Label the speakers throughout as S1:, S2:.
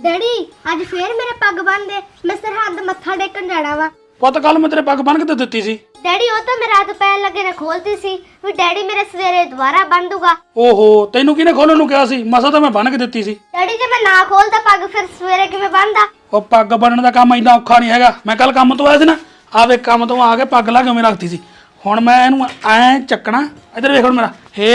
S1: Daddy आज फिर मेरे पग बन दे, मैं सरहद मत्था टेकन जाना वा।
S2: ਪੁੱਤ ਕੱਲ ਮੈਂ ਤੇਰੇ ਪੱਗ ਬੰਨ ਕੇ ਤੇ ਦਿੱਤੀ ਸੀ।
S1: डैडी वो तो मैं रात पैर लगे ने खोलती सी, फिर डैडी मेरे सवेरे दोबारा बन दूंगा।
S2: ਓਹੋ ਤੈਨੂੰ ਕਿਹਨੇ ਖੋਲਣ ਨੂੰ ਕਿਹਾ ਸੀ? ਮਸਾ ਤਾਂ ਮੈਂ ਬੰਨ ਕੇ ਦਿੱਤੀ ਸੀ।
S1: डैडी जे मैं ना खोलता पग फिर सवेरे किवें बनदा?
S2: ਉਹ ਪੱਗ ਬੰਨਣ ਦਾ ਕੰਮ ਇੰਨਾ ਔਖਾ ਨਹੀਂ ਹੈਗਾ। ਮੈਂ ਕੱਲ ਕੰਮ ਤੋਂ ਆਇਆ ਸੀ ਨਾ, ਆਵੇ ਕੰਮ ਤੋਂ ਆ ਕੇ ਪੱਗ ਲਾ ਕੇ ਉਵੇਂ ਰੱਖਤੀ ਸੀ। ਹੁਣ ਮੈਂ ਇਹਨੂੰ ਐ ਚੱਕਣਾ, ਇੱਧਰ ਵੇਖ ਹੁਣ ਮੇਰਾ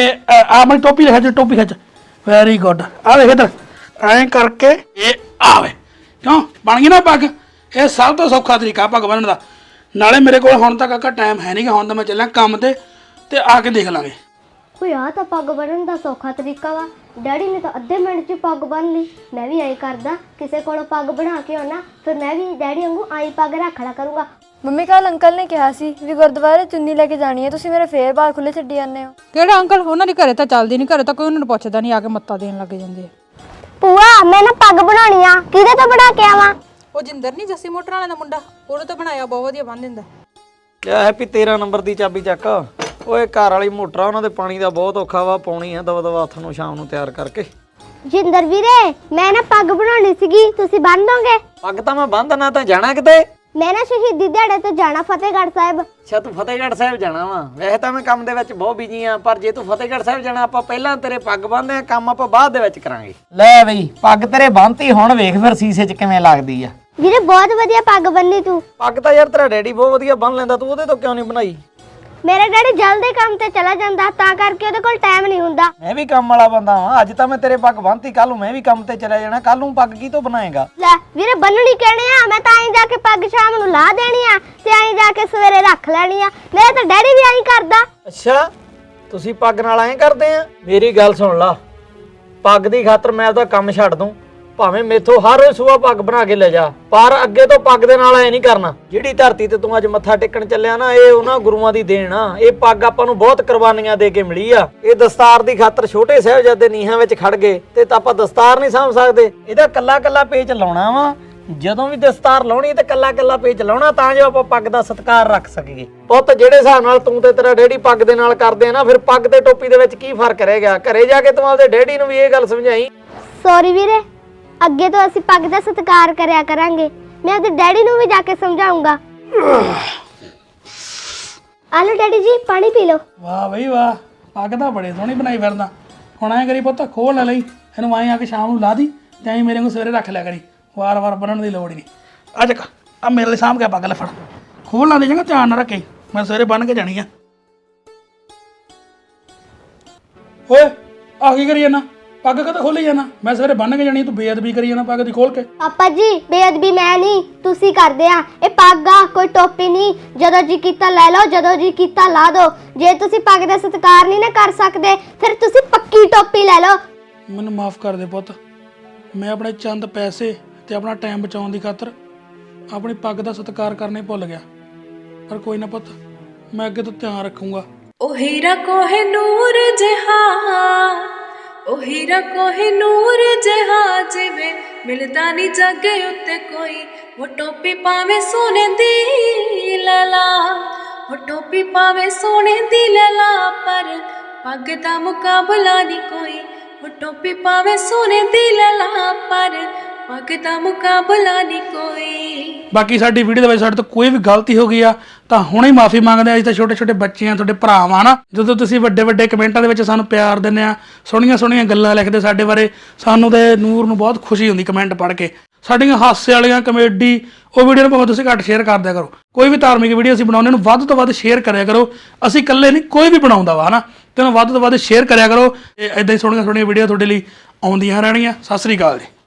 S2: ਆ ਮੇਰੀ ਟੋਪੀ ਖਿੱਚ, ਟੋਪੀ ਖਿੱਚ, ਵੈਰੀ ਗੁੱਡ। ਆ ਵੇਖ ਇੱਧਰ ਐ ਕਰਕੇ ਇਹ ਆਵੇ, ਕਿਉਂ ਬਣ ਗਈ ਨਾ ਪੱਗ। ਇਹ ਸਭ ਤੋਂ ਸੌਖਾ ਤਰੀਕਾ ਪੱਗ ਬੰਨਣ ਦਾ। ਨਾਲੇ ਮੇਰੇ ਕੋਲ ਹੁਣ ਤੱਕ ਟਾਈਮ ਹੈ ਨਹੀਂਗਾ, ਹੁਣ ਤਾਂ ਮੈਂ ਚੱਲਿਆ ਕੰਮ ਤੇ ਆ ਕੇ ਦੇਖ ਲਾਂਗੇ।
S1: कोई आ तो पग बनन दा सौखा तरीका वा। डैडी ने तो अद्धे मिनट च पग बन ली। मैं भी आई करदा, किसे कोलों पग बना के आना, फिर मैं भी डैडी वांगू आई पग रख ला करूंगा।
S3: ਮੰਮੀ ਕੱਲ ਅੰਕਲ ਨੇ ਕਿਹਾ ਸੀ ਵੀ ਗੁਰਦੁਆਰੇ ਚੁੰਨੀ ਲੈ ਕੇ ਜਾਣੀ ਹੈ, ਤੁਸੀਂ ਮੇਰੇ ਫੇਰ ਬਾਲ ਖੁੱਲੇ ਛੱਡੀ ਜਾਂਦੇ ਹੋ।
S4: ਕਿਹੜਾ ਅੰਕਲ? ਉਹਨਾਂ ਦੀ ਘਰੇ ਤਾਂ ਚੱਲਦੀ ਨਹੀਂ, ਘਰੇ ਤਾਂ ਕੋਈ ਉਹਨਾਂ ਨੂੰ ਪੁੱਛਦਾ ਨਹੀਂ, ਆ ਕੇ ਮੱਤਾ ਦੇਣ ਲੱਗ ਜਾਂਦੇ ਆ।
S1: ਭੂਆ ਮੈਂ ਨਾ ਪੱਗ ਬਣਾਉਣੀ ਆ, ਕਿਹਦੇ ਤੋਂ ਬਣਾ ਕੇ ਆਵਾਂ?
S4: ਉਹ ਜਿੰਦਰ ਨਹੀਂ ਜੱਸੀ ਮੋਟਰ ਵਾਲੇ ਦਾ ਮੁੰਡਾ, ਉਹਨੂੰ ਤਾਂ ਬਣਾਇਆ ਬਹੁਤ ਵਧੀਆ ਬੰਨ ਦਿੰਦਾ।
S5: ਲਿਆ ਹੈਪੀ 13 ਨੰਬਰ ਦੀ ਚਾਬੀ ਚੱਕ। ਓਏ ਘਰ ਵਾਲੀ ਮੋਟਰ ਆ, ਉਹਨਾਂ ਦੇ ਪਾਣੀ ਦਾ ਬਹੁਤ ਔਖਾ ਵਾ, ਪਾਉਣੀ ਆ ਦਵਾ ਦਵਾ ਹੱਥ ਨੂੰ ਸ਼ਾਮ ਨੂੰ ਤਿਆਰ ਕਰਕੇ।
S1: ਜਿੰਦਰ ਵੀਰੇ ਮੈਂ ਨਾ ਪੱਗ ਬਣਾਉਣੀ ਸੀਗੀ, ਤੁਸੀਂ ਬੰਨ ਦੋਗੇ?
S5: ਪੱਗ ਤਾਂ ਮੈਂ ਬੰਨ੍ਹਣਾ, ਤਾਂ ਜਾਣਾ ਕਿਤੇ?
S1: ਮੈਂ ਨਾ ਸ਼ਹੀਦੀ ਦਿਹਾੜੇ ਤੇ ਜਾਣਾ ਫਤਿਹਗੜ੍ਹ ਸਾਹਿਬ।
S5: ਅੱਛਾ ਤੂੰ ਫਤਿਹਗੜ੍ਹ ਸਾਹਿਬ ਜਾਣਾ ਵਾ। ਵੈਸੇ ਤਾਂ ਮੈਂ ਕੰਮ ਦੇ ਵਿੱਚ ਬਹੁਤ ਬਿਜੀ ਆ, ਪਰ ਜੇ ਤੂੰ ਫਤਿਹਗੜ੍ਹ ਸਾਹਿਬ ਜਾਣਾ, ਆਪਾਂ ਪਹਿਲਾਂ ਤੇਰੇ ਪੱਗ ਬੰਨ੍ਹਦੇ ਆ, ਕੰਮ ਆਪਾਂ ਬਾਅਦ ਦੇ ਵਿੱਚ ਕਰਾਂਗੇ। ਲੈ ਬਈ ਪੱਗ ਤੇਰੇ ਬੰਨ੍ਹਤੀ, ਹੁਣ ਵੇਖ ਫਿਰ ਸੀਸੇ 'ਚ ਕਿਵੇਂ ਲੱਗਦੀ ਆ।
S1: ਵੀਰੇ ਬਹੁਤ ਵਧੀਆ ਪੱਗ ਬੰਨੀ ਤੂੰ।
S5: ਪੱਗ ਤਾਂ ਯਾਰ ਤੇਰਾ ਡੈਡੀ ਬਹੁਤ ਵਧੀਆ ਬੰਨ੍ਹ ਲੈਂਦਾ, ਤੂੰ ਉਹਦੇ ਤੋਂ ਕਿਉਂ ਨਹੀਂ ਬਣਾਈ?
S1: ਮੇਰਾ ਡੈਡੀ ਜਲਦੀ ਕੰਮ ਤੇ ਚਲਾ ਜਾਂਦਾ, ਤਾਂ ਕਰਕੇ ਉਹਦੇ ਕੋਲ ਟਾਈਮ ਨਹੀਂ ਹੁੰਦਾ।
S5: ਮੈਂ ਵੀ ਕੰਮ ਵਾਲਾ ਬੰਦਾ ਵਾਂ, ਅੱਜ ਤਾਂ ਮੈਂ ਤੇਰੇ ਪੱਗ ਬੰਨ੍ਹਤੀ, ਕੱਲ ਨੂੰ ਮੈਂ ਵੀ ਕੰਮ ਤੇ ਚਲਾ ਜਾਣਾ, ਕੱਲ ਨੂੰ ਪੱਗ ਕੀ ਤੋਂ ਬਣਾਏਗਾ?
S1: ਲੈ ਵੀਰੇ ਬੰਨਣੀ ਕਹਿਣੇ ਆ, ਮੈਂ ਤਾਂ ਆਈ ਜਾ ਕੇ ਪੱਗ ਸ਼ਾਮ ਨੂੰ ਲਾ ਦੇਣੀ ਆ ਤੇ ਆਈ ਜਾ ਕੇ ਸਵੇਰੇ ਰੱਖ ਲੈਣੀ ਆ। ਮੇਰਾ ਤਾਂ ਡੈਡੀ ਵੀ ਆਈ ਕਰਦਾ।
S5: ਅੱਛਾ ਤੁਸੀਂ ਪੱਗ ਨਾਲ ਐਂ ਕਰਦੇ ਆ? ਮੇਰੀ ਗੱਲ ਸੁਣ ਲਾ, ਪੱਗ ਦੀ ਖਾਤਰ ਮੈਂ ਆਪਦਾ ਕੰਮ ਛੱਡ ਦੂੰ, ਭਾਵੇਂ ਮੇਥੋਂ ਹਰ ਰੋਜ਼ ਸੁਬਾਹ ਪੱਗ ਬਣਾ ਕੇ ਲੈ ਜਾ, ਪਰ ਅੱਗੇ ਤੋਂ ਪੱਗ ਦੇ ਨਾਲ ਐ ਨਹੀਂ ਕਰਨਾ। ਜਿਹੜੀ ਧਰਤੀ ਤੇ ਤੂੰ ਅੱਜ ਮੱਥਾ ਟੇਕਣ ਚੱਲਿਆ ਨਾ, ਇਹ ਉਹਨਾਂ ਗੁਰੂਆਂ ਦੀ ਦੇਣ ਆ। ਇਹ ਪੱਗ ਆਪਾਂ ਨੂੰ ਬਹੁਤ ਕੁਰਬਾਨੀਆਂ ਦੇ ਕੇ ਮਿਲੀ ਆ। ਇਹ ਦਸਤਾਰ ਦੀ ਖਾਤਰ ਛੋਟੇ ਸਾਹਿਬਜ਼ਾਦੇ ਨੀਹਾਂ ਵਿੱਚ ਖੜ ਗਏ ਤੇ ਆਪਾਂ ਦਸਤਾਰ ਨਹੀਂ ਸਾਂਭ ਸਕਦੇ। ਇਹਦਾ ਕੱਲਾ ਕੱਲਾ ਪੇਚ ਲਾਉਣਾ ਵਾ। ਜਦੋਂ ਵੀ ਦਸਤਾਰ ਲਾਉਣੀ ਤੇ ਕੱਲਾ ਕੱਲਾ ਪੇਚ ਲਾਉਣਾ, ਤਾਂ ਜੋ ਆਪਾਂ ਪੱਗ ਦਾ ਸਤਿਕਾਰ ਰੱਖ ਸਕੀਏ। ਪੁੱਤ ਜਿਹੜੇ ਹਿਸਾਬ ਨਾਲ ਤੂੰ ਤੇ ਤੇਰਾ ਡੈਡੀ ਪੱਗ ਦੇ ਨਾਲ ਕਰਦੇ ਆ ਨਾ, ਫਿਰ ਪੱਗ ਤੇ ਟੋਪੀ ਦੇ ਵਿੱਚ ਕੀ ਫਰਕ ਰਹਿ ਗਿਆ? ਘਰੇ ਜਾ ਕੇ ਤੂੰ ਆਪਦੇ ਡੈਡੀ ਨੂੰ ਵੀ ਇਹ ਗੱਲ ਸਮਝਾਈ।
S1: ਸੌਰੀ ਵੀਰੇ, ਅੱਗੇ ਤੋਂ ਅਸੀਂ ਪੱਗ ਦਾ ਸਤਿਕਾਰ ਕਰਿਆ ਕਰਾਂਗੇ। ਮੈਂ ਆਪਣੇ ਡੈਡੀ ਨੂੰ ਵੀ ਜਾ ਕੇ ਸਮਝਾਉਂਗਾ। ਆਲੋ ਡੈਡੀ ਜੀ ਪਾਣੀ ਪੀ ਲਓ।
S2: ਵਾਹ ਬਈ ਵਾਹ, ਪੱਗ ਤਾਂ ਬੜੇ ਸੋਹਣੀ ਬਣਾਈ ਫਿਰਦਾ। ਹੁਣ ਐਂ ਕਰੀ ਪੁੱਤ, ਖੋਲ ਲੈ ਲਈ ਇਹਨੂੰ, ਐਂ ਆ ਕੇ ਸ਼ਾਮ ਨੂੰ ਲਾ ਦੀ ਤੇ ਐਂ ਮੇਰੇ ਨੂੰ ਸਵੇਰੇ ਰੱਖ ਲਿਆ ਕਰੀ, ਵਾਰ-ਵਾਰ ਬੰਨਣ ਦੀ ਲੋੜ ਹੀ ਨਹੀਂ। ਆ ਚੱਕ ਆ ਮੇਰੇ ਲਈ ਸਾਂਭ ਕੇ ਪੱਗ ਲੈ ਫੜ, ਖੋਲ ਲਾ ਦੇ ਚੰਗਾ, ਧਿਆਨ ਨਾਲ ਰੱਖੀ, ਮੈਂ ਸਵੇਰੇ ਬੰਨ ਕੇ ਜਾਣੀ ਆ। ਓਏ ਆ ਕੀ ਕਰੀ ਜਾਣਾ? ਪੱਗ ਕਦੋਂ ਖੋਲੀ ਜਾਣਾ? ਮੈਂ ਸਵੇਰੇ ਬੰਨ ਕੇ ਜਾਣੀ, ਤੂੰ ਬੇਅਦਬੀ ਕਰੀ ਜਾਣਾ ਪੱਗ ਦੀ ਖੋਲ ਕੇ।
S1: ਪਾਪਾ ਜੀ ਬੇਅਦਬੀ ਮੈਂ ਨਹੀਂ, ਤੁਸੀਂ ਕਰਦੇ ਆ। ਇਹ ਪੱਗ ਆ, ਕੋਈ ਟੋਪੀ ਨਹੀਂ। ਜਦੋਂ ਜੀ ਕੀਤਾ ਲੈ ਲਓ, ਜਦੋਂ ਜੀ ਕੀਤਾ ਲਾ ਦਿਓ। ਜੇ ਤੁਸੀਂ ਪੱਗ ਦਾ ਸਤਿਕਾਰ ਨਹੀਂ ਨਾ ਕਰ ਸਕਦੇ, ਫਿਰ ਤੁਸੀਂ ਪੱਕੀ ਟੋਪੀ ਲੈ ਲਓ।
S2: ਮੈਨੂੰ ਮਾਫ ਕਰ ਦੇ ਪੁੱਤ, ਮੈਂ ਆਪਣੇ ਚੰਦ ਪੈਸੇ ਤੇ ਆਪਣਾ ਟਾਈਮ ਬਚਾਉਣ ਦੀ ਖਾਤਰ ਆਪਣੀ ਪੱਗ ਦਾ ਸਤਿਕਾਰ ਕਰਨਾ ਹੀ ਭੁੱਲ ਗਿਆ। ਪਰ ਕੋਈ ਨਾ ਪੁੱਤ, ਮੈਂ ਅੱਗੇ ਤੋਂ ਧਿਆਨ ਰੱਖੂੰਗਾ।
S6: ओ हीरा कोहे नूर जहां, ओ हीरा कोहे नूर जहां, जिवे मिलदा नी जगे उत्ते कोई। वो टोपी पावे सोने दी लैला, वो टोपी पावे सोने दी लैला, पर पग दा मुकाबला नी कोई। वो टोपी पावे सोने दी लैला, पर पग दा मुकाबला नी कोई।
S2: ਬਾਕੀ ਸਾਡੀ ਵੀਡੀਓ ਦੇ ਵਿੱਚ ਸਾਡੇ ਤੋਂ ਕੋਈ ਵੀ ਗਲਤੀ ਹੋ ਗਈ ਆ ਤਾਂ ਹੁਣੇ ਹੀ ਮਾਫੀ ਮੰਗਦੇ ਆ। ਅਸੀਂ ਤਾਂ ਛੋਟੇ ਛੋਟੇ ਬੱਚੇ ਆ, ਤੁਹਾਡੇ ਭਰਾ ਆ ਨਾ। ਜਦੋਂ ਤੁਸੀਂ ਵੱਡੇ ਵੱਡੇ ਕਮੈਂਟਾਂ ਦੇ ਵਿੱਚ ਸਾਨੂੰ ਪਿਆਰ ਦਿੰਦੇ ਆ, ਸੋਹਣੀਆਂ ਸੋਹਣੀਆਂ ਗੱਲਾਂ ਲਿਖਦੇ ਸਾਡੇ ਬਾਰੇ, ਸਾਨੂੰ ਤੇ ਨੂਰ ਨੂੰ ਬਹੁਤ ਖੁਸ਼ੀ ਹੁੰਦੀ ਕਮੈਂਟ ਪੜ੍ਹ ਕੇ। ਸਾਡੀਆਂ ਹਾਸੇ ਵਾਲੀਆਂ ਕਮੇਡੀ ਉਹ ਵੀਡੀਓ ਨੂੰ ਭਾਵੇਂ ਤੁਸੀਂ ਘੱਟ ਸ਼ੇਅਰ ਕਰ ਦਿਆ ਕਰੋ। ਕੋਈ ਵੀ ਧਾਰਮਿਕ ਵੀਡੀਓ ਅਸੀਂ ਬਣਾਉਂਦੇ ਨੂੰ ਵੱਧ ਤੋਂ ਵੱਧ ਸ਼ੇਅਰ ਕਰਿਆ ਕਰੋ। ਅਸੀਂ ਇਕੱਲੇ ਨਹੀਂ, ਕੋਈ ਵੀ ਬਣਾਉਂਦਾ ਵਾ ਹਨਾ, ਤੇ ਉਹਨੂੰ ਵੱਧ ਤੋਂ ਵੱਧ ਸ਼ੇਅਰ ਕਰਿਆ ਕਰੋ। ਇਦਾਂ ਹੀ ਸੋਹਣੀਆਂ ਸੋਹਣੀਆਂ ਵੀਡੀਓ ਤੁਹਾਡੇ ਲਈ ਆਉਂਦੀਆਂ ਰਹਿਣਗੀਆਂ। ਸਤਿ ਸ੍ਰੀ ਅਕਾਲ ਜੀ।